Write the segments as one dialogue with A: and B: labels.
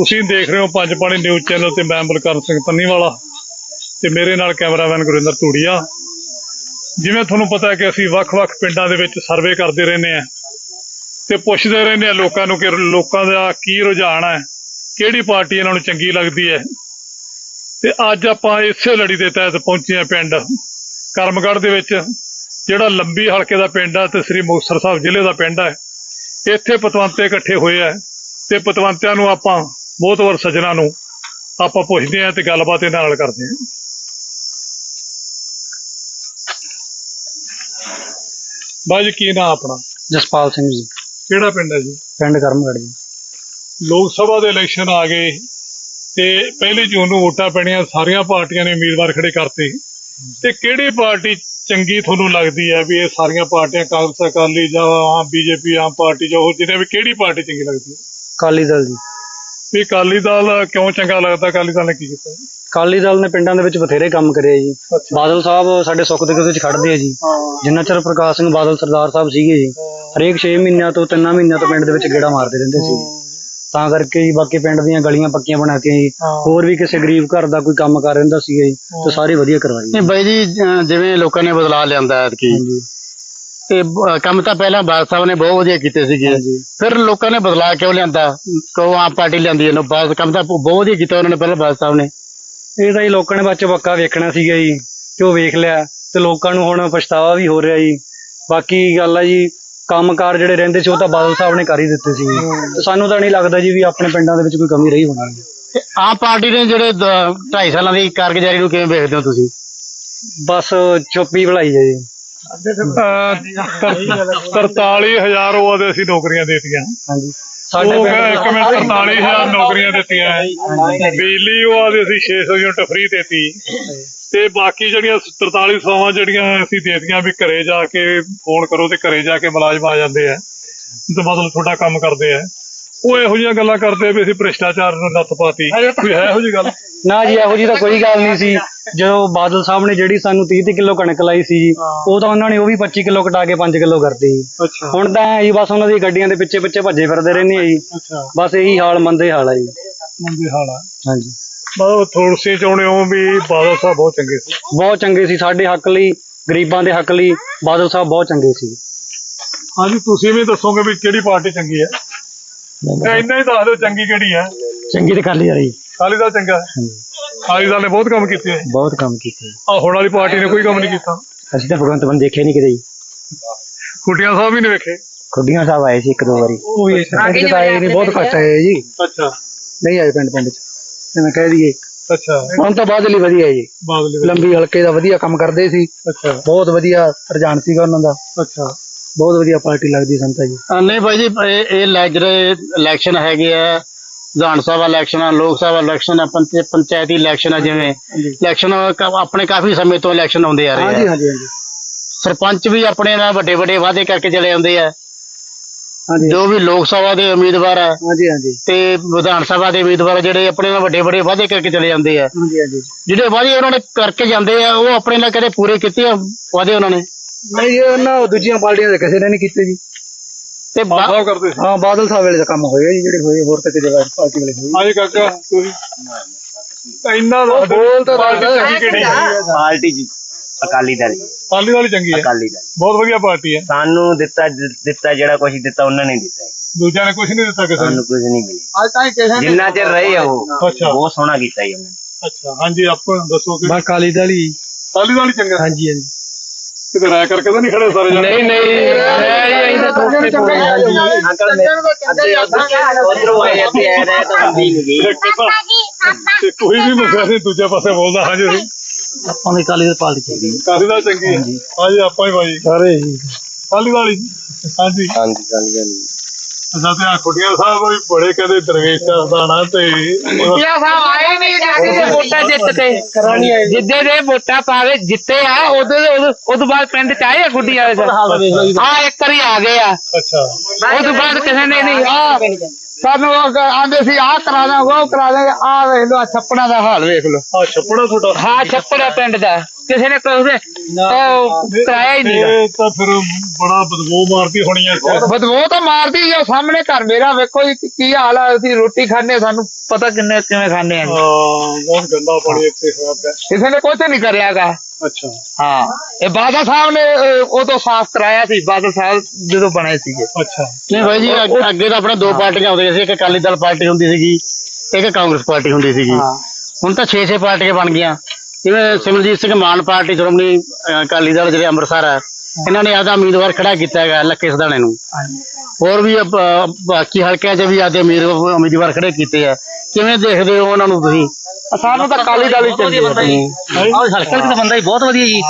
A: ਤੁਸੀਂ ਦੇਖ ਰਹੇ ਹੋ ਪੰਜ ਪਾਣੀ ਨਿਊਜ਼ ਚੈनल ਤੇ मैं बलकर सिंह पन्नीवाला ਤੇ ਮੇਰੇ ਨਾਲ ਕੈਮਰਾਮੈਨ ਗੁਰਿੰਦਰ ਧੂੜੀਆ। ਜਿਵੇਂ ਤੁਹਾਨੂੰ ਪਤਾ ਹੈ ਕਿ ਅਸੀਂ ਵੱਖ-ਵੱਖ ਪਿੰਡਾਂ ਦੇ ਵਿੱਚ ਸਰਵੇ ਕਰਦੇ ਰਹਿੰਦੇ ਆ ਤੇ ਪੁੱਛਦੇ ਰਹਿੰਦੇ ਆ ਲੋਕਾਂ ਨੂੰ ਕਿ ਲੋਕਾਂ ਦਾ ਕੀ ਰੁਝਾਨ ਹੈ, ਕਿਹੜੀ ਪਾਰਟੀ ਇਹਨਾਂ ਨੂੰ ਚੰਗੀ ਲੱਗਦੀ ਹੈ। ਤੇ ਅੱਜ ਆਪਾਂ ਇਸੇ ਲੜੀ ਦੇ ਤਹਿਤ ਪਹੁੰਚੇ ਆ ਪਿੰਡ ਕਰਮਗੜ੍ਹ ਦੇ ਵਿੱਚ, ਜਿਹੜਾ ਲੰਬੀ ਹਲਕੇ ਦਾ ਪਿੰਡ ਹੈ ਤੇ ਸ੍ਰੀ ਮੁਕਤਸਰ ਸਾਹਿਬ ਜ਼ਿਲ੍ਹੇ ਦਾ ਪਿੰਡ ਹੈ। ਇੱਥੇ ਪਤਵੰਤੇ ਇਕੱਠੇ ਹੋਏ ਆ ਤੇ ਪਤਵੰਤਿਆਂ ਨੂੰ ਆਪਾਂ ਮੋਹਤਵਰ ਸੱਜਣਾ ਨੂੰ ਆਪਾਂ ਪੁੱਛਦੇ ਆ ਤੇ ਗੱਲਬਾਤ ਇਹਨਾਂ ਨਾਲ ਕਰਦੇ ਆ। ਬਾਜੀ ਕੀ ਨਾਮ ਆਪਣਾ?
B: ਜਸਪਾਲ ਸਿੰਘ जी।
A: ਕਿਹੜਾ ਪਿੰਡ ਹੈ ਜੀ?
B: ਪਿੰਡ ਕਰਮਗੜ੍ਹ जी।
A: ਲੋਕ ਸਭਾ ਦੇ ਇਲੈਕਸ਼ਨ ਆ ਗਏ ਤੇ 1 ਜੂਨ ਨੂੰ ਵੋਟਾਂ ਪੈਣੀਆਂ, ਸਾਰੀਆਂ ਪਾਰਟੀਆਂ ਨੇ ਉਮੀਦਵਾਰ ਖੜੇ ਕਰਤੇ ਤੇ ਕਿਹੜੀ ਪਾਰਟੀ ਚੰਗੀ ਤੁਹਾਨੂੰ ਲੱਗਦੀ ਹੈ ਵੀ ਇਹ ਸਾਰੀਆਂ ਪਾਰਟੀਆਂ ਕਾਂਗਰਸ, ਅਕਾਲੀ ਜਾਂ ਆਮ ਬੀਜੇਪੀ, ਆਮ ਪਾਰਟੀ ਜਾਂ ਹੋਰ ਜਿਹਨੇ ਵੀ ਕਿਹੜੀ ਪਾਰਟੀ ਚੰਗੀ ਲੱਗਦੀ ਹੈ?
B: ਅਕਾਲੀ ਦਲ ਜੀ।
A: ਵੀ ਅਕਾਲੀ ਦਲ ਕਿਉਂ ਚੰਗਾ ਲੱਗਦਾ? ਅਕਾਲੀ ਦਲ ਨੇ ਕੀ ਕੀਤਾ ਜੀ?
B: ਅਕਾਲੀ ਦਲ ਨੇ ਪਿੰਡਾਂ ਦੇ ਵਿੱਚ ਬਥੇਰੇ ਕੰਮ ਕਰੇ ਜੀ। ਬਾਦਲ ਸਾਹਿਬ ਸਾਡੇ ਸੁੱਖ ਦੇ ਵਿੱਚ ਖੜਦੇ ਆ ਜੀ। ਜਿੰਨਾ ਚਿਰ ਪ੍ਰਕਾਸ਼ ਸਿੰਘ ਬਾਦਲ ਸਰਦਾਰ ਸਾਹਿਬ ਸੀਗੇ ਜੀ, ਹਰੇਕ 6 ਮਹੀਨਿਆਂ ਤੋਂ 3 ਮਹੀਨਿਆਂ ਤੋਂ ਪਿੰਡ ਦੇ ਵਿੱਚ ਗੇੜਾ ਮਾਰਦੇ ਰਹਿੰਦੇ ਸੀ। ਤਾਂ ਕਰਕੇ ਜੀ ਬਾਕੀ ਪਿੰਡ ਦੀਆਂ ਗਲੀਆਂ ਪੱਕੀਆਂ ਬਣਾ ਕੇ ਜੀ, ਹੋਰ ਵੀ ਕਿਸੇ ਗਰੀਬ ਘਰ ਦਾ ਕੋਈ ਕੰਮ ਕਰ ਰਹਿੰਦਾ ਸੀਗਾ ਜੀ ਤੇ ਸਾਰੇ ਵਧੀਆ ਕਰਵਾਏ।
C: ਨਹੀਂ ਬਾਈ ਜੀ, ਜਿਵੇਂ ਲੋਕਾਂ ਨੇ ਬਦਲਾਅ ਲਿਆਂਦਾ ਐਤਕੀ ਤੇ ਕੰਮ ਤਾਂ ਪਹਿਲਾਂ ਬਾਦਲ ਸਾਹਿਬ ਨੇ ਬਹੁਤ ਵਧੀਆ ਕੀਤੇ ਸੀਗੇ, ਫਿਰ ਲੋਕਾਂ ਨੇ ਬਦਲਾਅ ਕਿਉਂ ਲਿਆਂਦਾ? ਕਿਉਂ ਆਮ ਪਾਰਟੀ ਲਿਆਂਦੀ ਇਹਨੂੰ? ਬਾਦ ਕੰਮ ਤਾਂ ਬਹੁਤ ਵਧੀਆ ਕੀਤਾ ਉਹਨਾਂ ਨੇ ਪਹਿਲਾਂ ਬਾਦਲ ਸਾਹਿਬ ਨੇ।
B: ਇਹ ਤਾਂ ਜੀ ਲੋਕਾਂ ਨੇ ਬੱਚ ਪੱਕਾ ਵੇਖਣਾ ਸੀਗਾ ਜੀ, ਤੇ ਉਹ ਵੇਖ ਲਿਆ ਤੇ ਲੋਕਾਂ ਨੂੰ ਹੁਣ ਪਛਤਾਵਾ ਵੀ ਹੋ ਰਿਹਾ ਜੀ। ਬਾਕੀ ਗੱਲ ਆ ਜੀ, ਕੰਮਕਾਰ ਜਿਹੜੇ ਰਹਿੰਦੇ ਸੀ ਉਹ ਤਾਂ ਬਾਦਲ ਸਾਹਿਬ ਨੇ ਕਰ ਹੀ ਦਿੱਤੇ ਸੀ ਤੇ ਸਾਨੂੰ ਤਾਂ ਨਹੀਂ ਲੱਗਦਾ ਜੀ ਵੀ ਆਪਣੇ ਪਿੰਡਾਂ ਦੇ ਵਿੱਚ ਕੋਈ ਕਮੀ ਰਹੀ ਹੋਣੀ।
C: ਆਮ ਪਾਰਟੀ ਨੇ ਜਿਹੜੇ 2.5 ਸਾਲਾਂ ਦੀ ਕਾਰਗੁਜ਼ਾਰੀ ਨੂੰ ਕਿਵੇਂ ਵੇਖਦੇ ਹੋ ਤੁਸੀਂ?
B: ਬਸ ਚੁੱਪੀ ਭਲਾਈ ਹੈ ਜੀ।
A: 43,000 ਉਹ ਅਸੀਂ ਨੌਕਰੀਆਂ ਦੇਤੀਆਂ।
B: ਹਾਂਜੀ,
A: ਸਾਡੇ 43,000 ਨੌਕਰੀਆਂ ਦਿੱਤੀਆਂ। ਬਿਜਲੀ ਉਹ ਆਦੇ ਅਸੀਂ 600 ਯੂਨਿਟ ਫ੍ਰੀ ਦੇਤੀ ਤੇ ਬਾਕੀ ਜਿਹੜੀਆਂ 4300 ਜਿਹੜੀਆਂ ਅਸੀਂ ਦੇਤੀਆਂ ਵੀ ਘਰੇ ਜਾ ਕੇ ਫੋਨ ਕਰੋ ਤੇ ਘਰੇ ਜਾ ਕੇ ਮੁਲਾਜ਼ਮ ਆ ਜਾਂਦੇ ਆ ਤੇ ਮਤਲਬ ਤੁਹਾਡਾ ਕੰਮ ਕਰਦੇ ਆ। ਉਹ ਇਹੋ ਜਿਹੀਆਂ ਗੱਲਾਂ ਕਰਦੇ ਵੀ ਅਸੀਂ ਭ੍ਰਿਸ਼ਟਾਚਾਰ ਨੂੰ ਲੱਤ ਪਾਤੀ, ਕੋਈ ਹੈ ਇਹੋ ਜਿਹੀ ਗੱਲ?
B: ਨਾ ਜੀ, ਇਹੋ ਜਿਹੀ ਤਾਂ ਕੋਈ ਗੱਲ ਨਹੀਂ ਸੀ। ਜਦੋਂ ਬਾਦਲ ਸਾਹਿਬ ਨੇ ਜਿਹੜੀ ਸਾਨੂੰ 30 ਕਿਲੋ ਕਣਕ ਲਾਈ ਸੀ ਜੀ, ਉਹ ਤਾਂ ਉਹਨਾਂ ਨੇ ਉਹ ਵੀ 25 ਕਿਲੋ ਘਟਾ ਕੇ 5 ਕਿਲੋ ਕਰਤੀ ਜੀ। ਹੁਣ ਤਾਂ ਜੀ ਬਸ ਉਹਨਾਂ ਦੀ ਗੱਡੀਆਂ ਦੇ ਪਿੱਛੇ ਭੱਜੇ ਫਿਰਦੇ ਰਹਿੰਦੇ ਆ ਜੀ। ਬਸ ਇਹੀ ਹਾਲ, ਮੰਦੇ ਹਾਲ ਆ ਜੀ।
A: ਮੰਦੇ ਹਾਲ ਆ।
B: ਹਾਂਜੀ,
A: ਮਤਲਬ ਤੁਸੀਂ ਚਾਹੁੰਦੇ ਹੋ ਵੀ ਬਾਦਲ ਸਾਹਿਬ ਬਹੁਤ ਚੰਗੇ ਸੀ? ਬਹੁਤ
B: ਚੰਗੇ ਸੀ, ਸਾਡੇ ਹੱਕ ਲਈ, ਗਰੀਬਾਂ ਦੇ ਹੱਕ ਲਈ ਬਾਦਲ ਸਾਹਿਬ ਬਹੁਤ ਚੰਗੇ ਸੀ।
A: ਹਾਂਜੀ, ਤੁਸੀਂ ਵੀ ਦੱਸੋਗੇ ਵੀ ਕਿਹੜੀ ਪਾਰਟੀ ਚੰਗੀ ਹੈ? ਇੰਨਾ ਹੀ ਦੱਸ ਦਿਓ ਚੰਗੀ ਕਿਹੜੀ ਹੈ।
B: ਚੰਗੀ ਤੇ ਅਕਾਲੀ ਦਲ ਜੀ।
A: ਅਕਾਲੀ ਦਲ ਚੰਗਾ ਹੈ? ਅਕਾਲੀ ਦਲ ਨੇ ਬਹੁਤ ਕੰਮ ਕੀਤੇ।
B: ਬਹੁਤ ਕੰਮ ਕੀਤੇ।
A: ਆਹ ਹੁਣ ਵਾਲੀ ਪਾਰਟੀ ਨੇ ਕੋਈ ਕੰਮ ਨਹੀਂ ਕੀਤਾ।
B: ਅਸੀਂ ਤਾਂ ਭਗਵੰਤ ਮਾਨ ਦੇਖੇ ਨਹੀਂ ਕਿਤੇ ਜੀ।
A: ਖੁੱਡੀਆਂ ਸਾਹਿਬ ਵੀ ਨਹੀਂ ਵੇਖੇ?
B: ਖੁੱਡੀਆਂ ਸਾਹਿਬ ਆਏ ਸੀ 1-2 ਵਾਰੀ। ਉਹ ਵੀ ਆਏ ਨਹੀਂ, ਬਹੁਤ ਘੱਟ ਆਏ ਜੀ।
A: ਅੱਛਾ,
B: ਨਹੀਂ ਆਏ ਪਿੰਡ ਚ, ਜਿਵੇਂ ਕਹਿ ਦਈਏ।
A: ਅੱਛਾ,
B: ਹੁਣ ਤਾਂ ਬਾਦਲ ਹੀ ਵਧੀਆ ਜੀ। ਲੰਬੀ ਹਲਕੇ ਦਾ ਵਧੀਆ ਕੰਮ ਕਰਦੇ ਸੀ। ਅੱਛਾ, ਬਹੁਤ ਵਧੀਆ ਰੁਝਾਨ ਸੀਗਾ ਉਹਨਾਂ ਦਾ। ਅੱਛਾ, ਬਹੁਤ ਵਧੀਆ ਪਾਰਟੀ ਲੱਗਦੀ ਸੰਤਾ ਜੀ।
C: ਨਹੀਂ ਬਾਈ ਜੀ, ਇਹ ਜਿਹੜੇ ਇਲੈਕਸ਼ਨ ਹੈਗੇ ਆ, ਵਿਧਾਨ ਸਭਾ ਇਲੈਕਸ਼ਨ ਆ, ਲੋਕ ਸਭਾ ਇਲੈਕਸ਼ਨ ਆ, ਪੰਚਾਇਤੀ ਇਲੈਕਸ਼ਨ ਆ, ਜਿਵੇਂ ਇਲੈਕਸ਼ਨ ਆਪਣੇ ਕਾਫੀ ਸਮੇਂ ਤੋਂ ਇਲੈਕਸ਼ਨ ਆਉਂਦੇ ਆ ਰਹੇ ਆ। ਸਰਪੰਚ ਵੀ ਆਪਣੇ ਨਾਲ ਵੱਡੇ ਵੱਡੇ ਵਾਅਦੇ ਕਰਕੇ ਚਲੇ ਆਉਂਦੇ ਆ। ਜੋ ਵੀ ਲੋਕ ਸਭਾ ਦੇ ਉਮੀਦਵਾਰ ਆ ਤੇ ਵਿਧਾਨ ਸਭਾ ਦੇ ਉਮੀਦਵਾਰ ਜਿਹੜੇ ਆਪਣੇ ਨਾਲ ਵੱਡੇ ਵੱਡੇ ਵਾਅਦੇ ਕਰਕੇ ਚਲੇ ਜਾਂਦੇ ਆ। ਜਿਹੜੇ ਵਾਅਦੇ ਉਹਨਾਂ ਨੇ ਕਰਕੇ ਜਾਂਦੇ ਆ ਉਹ ਆਪਣੇ ਨਾਲ ਕਦੇ ਪੂਰੇ ਕੀਤੇ ਆ ਵਾਅਦੇ ਉਹਨਾਂ ਨੇ?
B: ਨਹੀਂ, ਉਹਨਾਂ ਦੂਜੀਆਂ ਪਾਰਟੀਆਂ ਦੇ ਕਿਸੇ ਨੇ ਨਹੀਂ ਕੀਤੇ ਜੀ।
C: ਤੇ
B: ਹਾਂ, ਬਾਦਲ ਸਾਹਿਬ ਵੇਲੇ ਦਾ ਕੰਮ ਹੋਇਆ ਜੀ, ਜਿਹੜੇ ਹੋਏ, ਹੋਰ ਤਾਂ ਕਿਤੇ ਪਾਰਟੀ ਵੇਲੇ ਹੋਏ।
A: ਹਾਂਜੀ ਕਾਕਾ, ਤੁਸੀਂ ਇੰਨਾ ਬੋਲ ਤਾਂ
D: ਪਾਰਟੀ ਜੀ ਅਕਾਲੀ ਦਲ।
A: ਅਕਾਲੀ ਦਲ ਚੰਗੀ ਹੈ?
D: ਅਕਾਲੀ ਦਲ
A: ਬਹੁਤ ਵਧੀਆ ਪਾਰਟੀ ਹੈ।
D: ਸਾਨੂੰ ਦਿੱਤਾ ਜਿਹੜਾ ਕੁਛ ਦਿੱਤਾ ਉਹਨਾਂ ਨੇ ਦਿੱਤਾ।
A: ਦੂਜਿਆਂ ਨੇ ਕੁਛ ਨਹੀਂ ਦਿੱਤਾ ਕਿਸੇ
D: ਨੂੰ? ਕੁਝ ਨਹੀਂ ਮਿਲਿਆ ਜਿੰਨਾ ਚਿਰ ਰਹੇ ਆ ਉਹ। ਬਹੁਤ ਸੋਹਣਾ ਕੀਤਾ ਜੀ ਉਹਨੇ।
A: ਅੱਛਾ, ਹਾਂਜੀ, ਆਪਾਂ ਦੱਸੋ ਕਿ
B: ਅਕਾਲੀ ਦਲ ਹੀ।
A: ਅਕਾਲੀ ਦਲ ਹੀ ਚੰਗਾ?
B: ਹਾਂਜੀ ਹਾਂਜੀ।
A: ਕਿਤੇ ਰਾਇ ਕਰਕੇ ਤਾਂ ਨਹੀਂ ਖੜੇ ਸਾਰੇ ਜਾਣੇ?
B: ਨਹੀਂ
A: ਕੋਈ ਵੀ ਮਸਲਾ ਨਹੀਂ ਦੂਜੇ ਪਾਸੇ ਬੋਲਦਾ। ਹਾਂਜੀ,
B: ਆਪਾਂ ਦੀ ਅਕਾਲੀ ਦਲ ਪਾਰਟੀ ਚਾਹੀਦੀ।
A: ਅਕਾਲੀ ਦਲ ਚੰਗੀ ਹੈ? ਹਾਂਜੀ, ਆਪਾਂ ਹੀ ਭਾਈ
B: ਸਾਰੇ
A: ਅਕਾਲੀ ਦਲ ਹੀ। ਹਾਂਜੀ
D: ਹਾਂਜੀ, ਅਕਾਲੀ ਦਲ।
A: ਅੱਛਾ, ਤੇ ਆ ਖੁੱਡੀਆਂ ਸਾਹਿਬ ਵੀ ਬੜੇ ਕਹਿੰਦੇ ਦਰਵੇਸ਼ ਦਾਣਾ ਤੇ
E: ਸਾਹਿਬ ਆਏ ਨਹੀਂ ਜਾ ਕੇ ਵੋਟਾਂ ਜਿੱਤ ਕੇ ਜਿੱਦੇ ਦੇ ਵੋਟਾਂ ਪਾਵੇ ਜਿੱਤੇ ਆ ਉਦੋਂ ਬਾਅਦ ਪਿੰਡ ਚ ਆਏ ਆ ਗੁੱਡੀਆਂ ਆ ਇੱਕ ਵਾਰੀ ਆ ਗਏ ਆ।
A: ਅੱਛਾ,
E: ਉਦੋਂ ਬਾਅਦ ਕਿਸੇ ਨੇ ਨਹੀਂ ਆ ਸਾਨੂੰ ਆਂਦੇ ਸੀ ਆਹ ਕਰਾ ਦਾਂਗੇ, ਉਹ ਕਰਾ ਦਾਂਗੇ। ਆਹ ਵੇਖ ਲੋ, ਛੱਪੜਾਂ ਦਾ ਹਾਲ ਵੇਖ ਲੋ।
A: ਆ ਛੱਪੜਾ ਤੁਹਾਡਾ?
E: ਹਾਂ, ਛੱਪੜਾ ਪਿੰਡ ਦਾ। ਕਿਸੇ ਨੇ ਕਰਾਇਆ ਹੀ ਨਹੀਂ।
A: ਇਹ ਤਾਂ ਫਿਰ ਬੜਾ ਬਦਬੂ ਮਾਰਦੀ ਹੋਣੀ ਹੈ ਇੱਥੇ।
E: ਬਦਬੂ ਤਾਂ ਮਾਰਦੀ ਆ, ਸਾਹਮਣੇ ਘਰ ਮੇਰਾ ਵੇਖੋ ਜੀ ਕੀ ਹਾਲ ਆ। ਅਸੀਂ ਰੋਟੀ ਖਾਣੇ, ਸਾਨੂੰ ਪਤਾ ਕਿਵੇਂ ਖਾਣੇ ਆ।
A: ਬਹੁਤ ਗੰਦਾ ਪਾਣੀ ਇੱਥੇ ਹੋਇਆ ਪਿਆ।
E: ਕਿਸੇ ਨੇ ਕੁਝ ਨਹੀਂ ਕਰਿਆਗਾ।
A: ਅੱਛਾ
E: ਹਾਂ, ਇਹ ਬਾਦਲ ਸਾਹਿਬ ਨੇ ਉਦੋਂ ਸਾਫ਼ ਕਰਾਇਆ ਸੀ, ਬਾਦਲ ਸਾਹਿਬ ਜਦੋਂ ਬਣੇ ਸੀਗੇ।
A: ਅੱਛਾ
C: ਨਹੀਂ ਭਾਈ ਜੀ, ਅੱਗੇ ਤਾਂ ਆਪਣੇ 2 ਪਾਰਟੀਆਂ ਹੁੰਦੀਆਂ ਸੀ, ਇੱਕ ਅਕਾਲੀ ਦਲ ਪਾਰਟੀ ਹੁੰਦੀ ਸੀਗੀ, ਇੱਕ ਕਾਂਗਰਸ ਪਾਰਟੀ ਹੁੰਦੀ ਸੀਗੀ। ਹੁਣ ਤਾਂ 6 ਪਾਰਟੀਆਂ ਬਣ ਗਈਆਂ। ਜਿਵੇਂ ਸਿਮਰਜੀਤ ਸਿੰਘ ਮਾਨ ਪਾਰਟੀ ਸ਼੍ਰੋਮਣੀ ਅਕਾਲੀ ਦਲ ਜਿਹੜੇ ਅੰਮ੍ਰਿਤਸਰ ਹੈ, ਇਹਨਾਂ ਨੇ ਆਦਾ ਉਮੀਦਵਾਰ ਖੜਾ ਕੀਤਾ ਹੈਗਾ ਲੱਖੇ ਸਦਾਣੇ ਨੂੰ। ਹੋਰ ਵੀ ਬਾਕੀ ਹਲਕਿਆਂ 'ਚ ਵੀ ਆਦੇ ਉਮੀਦਵਾਰ ਖੜੇ ਕੀਤੇ ਆ। ਕਿਵੇਂ ਦੇਖਦੇ ਹੋ ਉਹਨਾਂ ਨੂੰ ਤੁਸੀਂ?
E: ਸਾਨੂੰ ਤਾਂ ਅਕਾਲੀ ਦਲ ਹੀ ਚੰਗੀ
B: ਹਲਕੇ ਦਾ ਬੰਦਾ ਹੀ ਬਹੁਤ ਵਧੀਆ ਜੀ,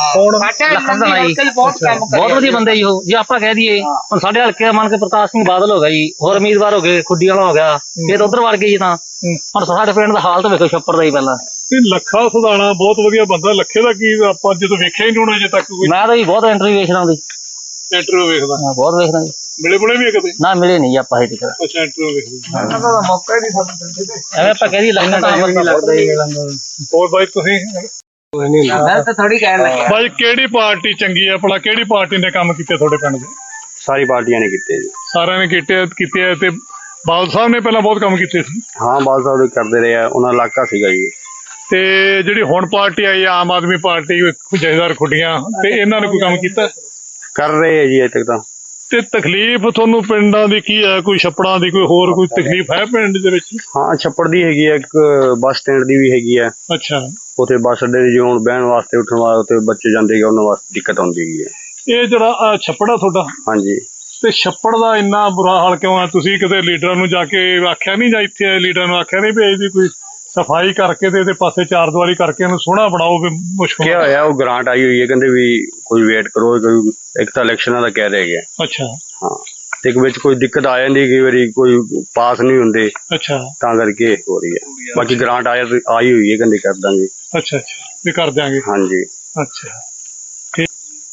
B: ਬਹੁਤ ਵਧੀਆ ਬੰਦਾ ਜੀ ਉਹ। ਜੇ ਆਪਾਂ ਕਹਿ ਦਈਏ ਹੁਣ ਸਾਡੇ ਹਲਕੇ ਦਾ ਮੰਨ ਕੇ ਪ੍ਰਕਾਸ਼ ਸਿੰਘ ਬਾਦਲ ਹੋ ਗਿਆ ਜੀ, ਹੋਰ ਉਮੀਦਵਾਰ ਹੋ ਗਏ, ਖੁੱਡੀ ਵਾਲਾ ਹੋ ਗਿਆ, ਫਿਰ ਉਧਰ ਵੜ ਗਏ ਜੀ। ਤਾਂ ਹੁਣ ਸਾਡੇ ਪਿੰਡ ਦਾ ਹਾਲ ਤਾਂ ਵੇਖੋ ਛੱਪੜ ਦਾ ਹੀ ਪਹਿਲਾਂ।
A: ਲੱਖਾ ਸਦਾਣਾ ਬਹੁਤ ਵਧੀਆ ਬੰਦਾ। ਲੱਖੇ ਦਾ ਕੀ ਆਪਾਂ ਜਦੋਂ ਵੇਖਿਆ ਹੀ ਨਹੀਂ ਹੋਣਾ ਅਜੇ ਤੱਕ ਕੋਈ।
B: ਮੈਂ ਤਾਂ ਜੀ ਬਹੁਤ ਇੰਟਰਵਿਊ ਵੇਖਦਾ ਉਹਦੀ।
A: ਇੰਟਰਵਿਊ ਵੇਖਦਾ?
B: ਬਹੁਤ ਵੇਖਦਾ ਜੀ।
A: ਮਿਲੇ ਬੁਲੇ ਵੀ ਕਦੇ?
B: ਨਾ ਮਿਲੇ ਨਹੀਂ ਆਪਾਂ ਹਜੇ ਤੱਕ।
A: ਅੱਛਾ, ਇੰਟਰਵਿਊ ਵੇਖਦੇ।
E: ਮੌਕਾ ਹੀ ਨਹੀਂ ਸਾਨੂੰ ਦਿੰਦੇ।
B: ਐਵੇਂ ਆਪਾਂ ਕਹਿ ਦਈਏ ਲੱਗਦਾ ਤਾਂ ਲੱਗਦਾ ਹੀ।
A: ਹੋਰ ਬਾਈ ਤੁਸੀਂ?
E: ਮੈਂ ਤਾਂ ਥੋੜੀ ਕਹਿਣ ਲੱਗਾ
A: ਬਾਈ ਕਿਹੜੀ ਪਾਰਟੀ ਚੰਗੀ ਹੈ ਭਲਾ? ਕਿਹੜੀ ਪਾਰਟੀ ਨੇ ਕੰਮ ਕੀਤੇ ਤੁਹਾਡੇ ਪਿੰਡ ਦੇ?
D: ਸਾਰੀ ਪਾਰਟੀਆਂ ਨੇ ਕੀਤੇ ਜੀ।
A: ਸਾਰਿਆਂ ਨੇ ਕੀਤੇ ਆ। ਤੇ ਬਾਦਲ ਸਾਹਿਬ ਨੇ ਪਹਿਲਾਂ ਬਹੁਤ ਕੰਮ ਕੀਤੇ ਸੀ।
D: ਹਾਂ, ਬਾਦਲ ਸਾਹਿਬ ਕਰਦੇ ਰਹੇ ਆ, ਉਹਨਾਂ ਦਾ ਇਲਾਕਾ ਸੀਗਾ ਜੀ।
A: ਤੇ ਜਿਹੜੀ ਹੁਣ ਪਾਰਟੀ ਆਈ ਆਮ ਆਦਮੀ ਪਾਰਟੀ, ਜਥੇਦਾਰ ਖੁੱਡੀਆਂ, ਤੇ ਇਹਨਾਂ ਨੇ ਕੋਈ ਕੰਮ ਕੀਤਾ?
D: ਕਰ ਰਹੇ ਆ ਜੀ ਅਜੇ ਤੱਕ ਤਾਂ।
A: ਤੇ ਤਕਲੀਫ ਤੁਹਾਨੂੰ ਪਿੰਡਾਂ ਦੀ ਕੀ ਹੈ? ਕੋਈ ਛੱਪੜਾਂ ਦੀ, ਕੋਈ ਹੋਰ ਕੋਈ ਤਕਲੀਫ ਹੈ ਪਿੰਡ ਦੇ ਵਿੱਚ?
D: ਹਾਂ, ਛੱਪੜ ਦੀ ਹੈਗੀ ਆ, ਇੱਕ ਬੱਸ ਸਟੈਂਡ ਦੀ ਵੀ ਹੈਗੀ ਆ।
A: ਅੱਛਾ,
D: ਉੱਥੇ ਬੱਸ ਅੱਡੇ ਦੀ ਜਿਉਂ ਬਹਿਣ ਵਾਸਤੇ ਉੱਠਣ ਵਾਸਤੇ ਬੱਚੇ ਜਾਂਦੇ ਗੇ, ਉਹਨਾਂ ਵਾਸਤੇ ਦਿੱਕਤ ਆਉਂਦੀ ਹੈਗੀ ਹੈ।
A: ਇਹ ਜਿਹੜਾ ਛੱਪੜ ਆ ਤੁਹਾਡਾ,
D: ਹਾਂਜੀ।
A: ਤੇ ਛੱਪੜ ਦਾ ਇੰਨਾ ਬੁਰਾ ਹਾਲ ਕਿਉਂ ਆ? ਤੁਸੀਂ ਕਿਤੇ ਲੀਡਰਾਂ ਨੂੰ ਜਾ ਕੇ ਆਖਿਆ ਨਹੀਂ, ਜਾਂ ਇੱਥੇ ਲੀਡਰਾਂ ਨੂੰ ਆਖਿਆ ਨਹੀਂ ਵੀ ਇਹਦੀ ਕੋਈ ਸਫਾਈ ਕਰਕੇ ਤੇ ਇਹਦੇ ਪਾਸੇ ਚਾਰਦੀਵਾਰੀ ਕਰਕੇ ਇਹਨੂੰ ਸੋਹਣਾ ਬਣਾਓ? ਵੀ ਮੁਸ਼ਕਲ
D: ਕੀ ਹੋਇਆ, ਉਹ ਗ੍ਰਾਂਟ ਆਈ ਹੋਈ ਹੈ, ਕਹਿੰਦੇ ਵੀ ਕੋਈ ਵੇਟ ਕਰੋ, ਕੋਈ ਇੱਕ ਤਾਂ ਇਲੈਕਸ਼ਨਾਂ ਦਾ ਕਹਿ ਰਹੇ ਗਿਆ।
A: ਅੱਛਾ।
D: ਹਾਂ, ਤੇ ਇੱਕ ਵਿੱਚ ਕੋਈ ਦਿੱਕਤ ਆ ਜਾਂਦੀ, ਕਈ ਵਾਰੀ ਕੋਈ ਪਾਸ ਨਹੀਂ ਹੁੰਦੇ,
A: ਅੱਛਾ,
D: ਤਾਂ ਕਰਕੇ ਹੋ ਰਹੀ ਹੈ। ਬਾਕੀ ਗ੍ਰਾਂਟ ਆਈ ਹੋਈ ਹੈ, ਕਹਿੰਦੇ ਕਰ ਦਾਂਗੇ।
A: ਅੱਛਾ ਵੀ ਕਰ ਦਿਆਂਗੇ।
D: ਹਾਂਜੀ।
A: ਅੱਛਾ, ਠੀਕ।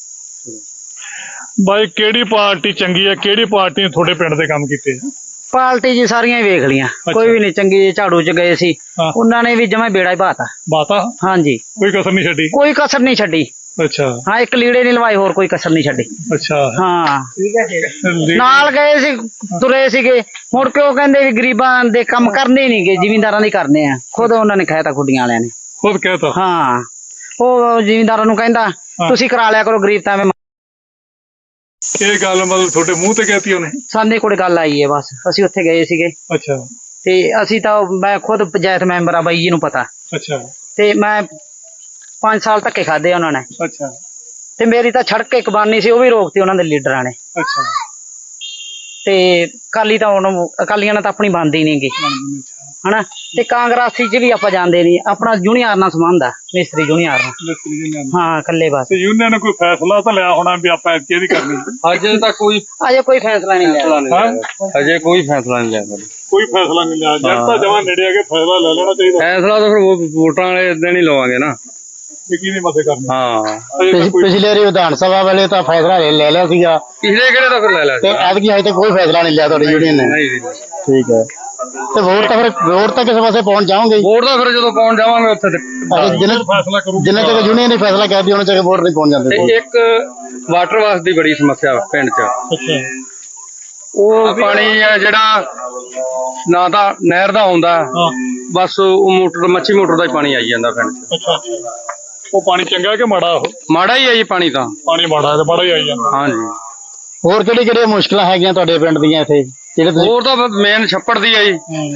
A: ਬਾਈ ਕਿਹੜੀ ਪਾਰਟੀ ਚੰਗੀ ਹੈ? ਕਿਹੜੀ ਪਾਰਟੀ ਨੇ ਤੁਹਾਡੇ ਪਿੰਡ ਦੇ ਕੰਮ ਕੀਤੇ?
B: ਪਾਰਟੀ ਜੀ ਸਾਰੀਆਂ ਹੀ ਵੇਖ ਲੀਆਂ, ਕੋਈ ਵੀ ਨਹੀਂ ਚੰਗੀ। ਝਾੜੂ ਚ ਗਏ ਸੀ, ਉਹਨਾਂ ਨੇ ਵੀ ਜਮਾ ਬੇੜਾ ਹੀ ਬਾਤਾ।
A: ਬਾਤਾ?
B: ਹਾਂਜੀ,
A: ਕੋਈ ਕਸਰ ਨਹੀਂ ਛੱਡੀ?
B: ਕੋਈ ਕਸਰ ਨਹੀਂ ਛੱਡੀ।
A: ਅੱਛਾ।
B: ਹਾਂ, ਇੱਕ ਲੀੜੇ ਨਹੀਂ ਲਵਾਏ, ਹੋਰ ਕੋਈ ਕਸਰ ਨਹੀਂ ਛੱਡੀ।
A: ਅੱਛਾ,
B: ਹਾਂ,
E: ਠੀਕ ਹੈ।
B: ਨਾਲ ਗਏ ਸੀ, ਤੁਰੇ ਸੀਗੇ, ਮੁੜ ਕੇ ਉਹ ਕਹਿੰਦੇ ਵੀ ਗਰੀਬਾਂ ਦੇ ਕੰਮ ਕਰਨੇ ਨਹੀਂ ਗੇ, ਜ਼ਿਮੀਂਦਾਰਾਂ ਦੇ ਕਰਨੇ ਆ। ਖੁਦ ਉਹਨਾਂ ਨੇ ਕਹਿਤਾ, ਖੁੱਡੀਆਂ ਵਾਲਿਆਂ ਨੇ
A: ਖੁਦ ਕਹਿਤਾ?
B: ਹਾਂ, ਉਹ ਜ਼ਿਮੀਂਦਾਰਾਂ ਨੂੰ ਕਹਿੰਦਾ ਤੁਸੀਂ ਕਰਾ ਲਿਆ ਕਰੋ, ਗਰੀਬ ਤਾਂ ਐਵੇਂ।
A: ਇਹ ਗੱਲ ਮਤਲਬ ਤੁਹਾਡੇ ਮੂੰਹ ਤੇ ਕਹਿਤੀ ਉਹਨੇ?
B: ਸਾਡੇ ਕੋਲ ਗੱਲ ਆਈ ਹੈ ਬਸ। ਅਸੀਂ ਉੱਥੇ ਗਏ ਸੀਗੇ।
A: ਅੱਛਾ।
B: ਤੇ ਅਸੀਂ ਤਾਂ, ਮੈਂ ਖੁਦ ਪੰਚਾਇਤ ਮੈਂਬਰ ਆ, ਬਾਈ ਜੀ ਨੂੰ ਪਤਾ।
A: ਅੱਛਾ।
B: ਤੇ ਮੈਂ 5 ਸਾਲ ਧੱਕੇ ਖਾਦੇ ਉਹਨਾਂ ਨੇ।
A: ਅੱਛਾ।
B: ਤੇ ਮੇਰੀ ਤਾਂ ਸੜਕ ਇੱਕ ਬਾਨੀ ਸੀ, ਉਹ ਵੀ ਰੋਕਤੀ ਉਹਨਾਂ ਦੇ ਲੀਡਰਾਂ ਨੇ।
A: ਅੱਛਾ।
B: ਤੇ ਅਕਾਲੀ ਤਾਂ ਹੁਣ, ਅਕਾਲੀਆਂ ਨਾਲ ਤਾਂ ਆਪਣੀ ਬਣਦੀ ਨੀ ਗੀ, ਹਨਾ। ਤੇ ਕਾਂਗਰਸੀ ਚ ਵੀ ਆਪਾਂ ਜਾਂਦੇ ਨਹੀਂ, ਆਪਣਾ ਜੂਨੀਅਰ ਨਾਲ ਸੰਬੰਧ ਆ, ਮਿਸਤਰੀ ਜੂਨੀਅਰ ਨਾਲ। ਹਾਂ, ਇਕੱਲੇ ਬਸ।
A: ਤੇ ਯੂਨੀਅਨ ਨੇ ਕੋਈ ਫੈਸਲਾ ਤਾਂ ਲਿਆ ਹੋਣਾ ਵੀ ਆਪਾਂ ਇਹਦੀ ਕਰਨੀ?
E: ਅਜੇ ਤਾਂ ਕੋਈ
B: ਫੈਸਲਾ ਨਹੀਂ ਲਿਆ।
E: ਅਜੇ ਕੋਈ ਫੈਸਲਾ ਨਹੀਂ ਲਿਆ।
A: ਕੋਈ ਫੈਸਲਾ ਨਹੀਂ ਲਿਆ? ਜਦ ਤਾਂ ਜਮਾਂ ਨੇੜੇ ਆ ਕੇ ਫੈਸਲਾ ਲੈ ਲੈਣਾ ਚਾਹੀਦਾ।
E: ਫੈਸਲਾ ਤਾਂ ਫਿਰ ਵੋਟਾਂ ਵਾਲੇ ਦਿਨ ਹੀ ਲਵਾਂਗੇ ਨਾ,
A: ਕੀ ਨਹੀਂ ਮਤੇ ਕਰਨੀ।
E: ਹਾਂ,
C: ਪਿਛਲੇ ਵਾਰੀ ਵਿਧਾਨ ਸਭਾ ਵੇਲੇ ਤਾਂ ਫੈਸਲਾ ਲੈ ਲਿਆ ਸੀਗਾ,
E: ਪਿਛਲੇ ਕਿਹੜੇ ਤਾਂ ਫਿਰ ਲੈ ਲਿਆ
C: ਤੇ ਐਤਕੀ ਹਜੇ ਤੱਕ ਕੋਈ ਫੈਸਲਾ ਨਹੀਂ ਲਿਆ ਤੁਹਾਡੀ ਯੂਨੀਅਨ ਨੇ। ਠੀਕ ਹੈ। ਤੇ ਵੋਟ ਤਾਂ ਕਿਸੇ ਪਾਸੇ ਪਹੁੰਚ ਜਾਓਗੇ?
E: ਵੋਟ ਤਾਂ ਫਿਰ ਜਦੋਂ ਪਹੁੰਚ ਜਾਵਾਂਗੇ ਉੱਥੇ
A: ਫੈਸਲਾ ਕਰੂ।
C: ਜਿੰਨੇ ਤੱਕ ਯੂਨੀਅਨ ਨੇ ਫੈਸਲਾ ਕਰਦੀ, ਉਹਨਾਂ ਤੱਕ ਵੋਟ ਨਹੀਂ ਪਹੁੰਚ ਜਾਂਦੇ।
E: ਤੇ ਇੱਕ ਵਾਟਰ ਵਾਸ ਦੀ ਬੜੀ ਸਮੱਸਿਆ ਪਿੰਡ 'ਚ।
A: ਅੱਛਾ।
E: ਉਹ ਪਾਣੀ ਆ ਜਿਹੜਾ ਨਾ ਤਾਂ ਨਹਿਰ ਦਾ ਆਉਂਦਾ, ਬਸ ਉਹ ਮੋਟਰ, ਮੱਛੀ ਮੋਟਰ ਦਾ ਹੀ ਪਾਣੀ ਆਈ ਜਾਂਦਾ ਪਿੰਡ 'ਚ।
A: ਅੱਛਾ ਅੱਛਾ। ਉਹ ਪਾਣੀ ਚੰਗਾ ਕਿ ਮਾੜਾ? ਉਹ
E: ਮਾੜਾ ਹੀ ਆ ਜੀ ਪਾਣੀ ਤਾਂ।
A: ਪਾਣੀ ਮਾੜਾ ਤੇ ਮਾੜਾ ਹੀ ਆਈ ਜਾਂਦਾ।
E: ਹਾਂਜੀ।
C: ਹੋਰ ਕਿਹੜੀਆਂ ਮੁਸ਼ਕਲਾਂ ਹੈਗੀਆਂ ਤੁਹਾਡੇ ਪਿੰਡ ਦੀਆਂ ਇੱਥੇ?
E: ਹੋਰ ਤਾਂ ਮੇਨ ਛੱਪੜ ਦੀ ਆ ਜੀ।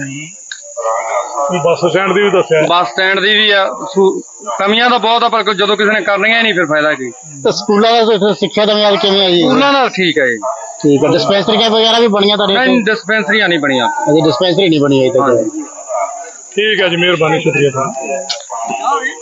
A: ਬੱਸ ਸਟੈਂਡ ਦੀ ਵੀ ਦੱਸਿਆ?
E: ਬੱਸ ਸਟੈਂਡ ਦੀ ਵੀ ਆ। ਕਮੀਆਂ ਤਾਂ ਬਹੁਤ ਆ, ਪਰ ਜਦੋਂ ਕਿਸੇ ਨੇ ਕਰਨੀਆਂ ਹੀ ਨਹੀਂ ਫਿਰ ਫਾਇਦਾ ਕੀ।
C: ਤੇ ਸਕੂਲਾਂ ਦਾ ਸਿੱਖਿਆ ਦਾ ਮਿਆਰ ਕਿਵੇਂ ਹੈ ਜੀ?
E: ਉਹਨਾਂ ਨਾਲ ਠੀਕ ਹੈ ਜੀ।
C: ਠੀਕ ਹੈ। ਡਿਸਪੈਂਸਰੀਆਂ ਵਗੈਰਾ ਵੀ ਬਣੀਆਂ ਤੁਹਾਡੇ?
E: ਨਹੀਂ, ਡਿਸਪੈਂਸਰੀਆਂ ਨਹੀਂ ਬਣੀਆਂ
C: ਅਜੇ ਡਿਸਪੈਂਸਰੀ ਨਹੀਂ ਬਣੀ ਅਜੇ ਤੱਕ।
A: ਠੀਕ ਹੈ ਜੀ, ਮਿਹਰਬਾਨੀ, ਸ਼ੁਕਰੀਆ।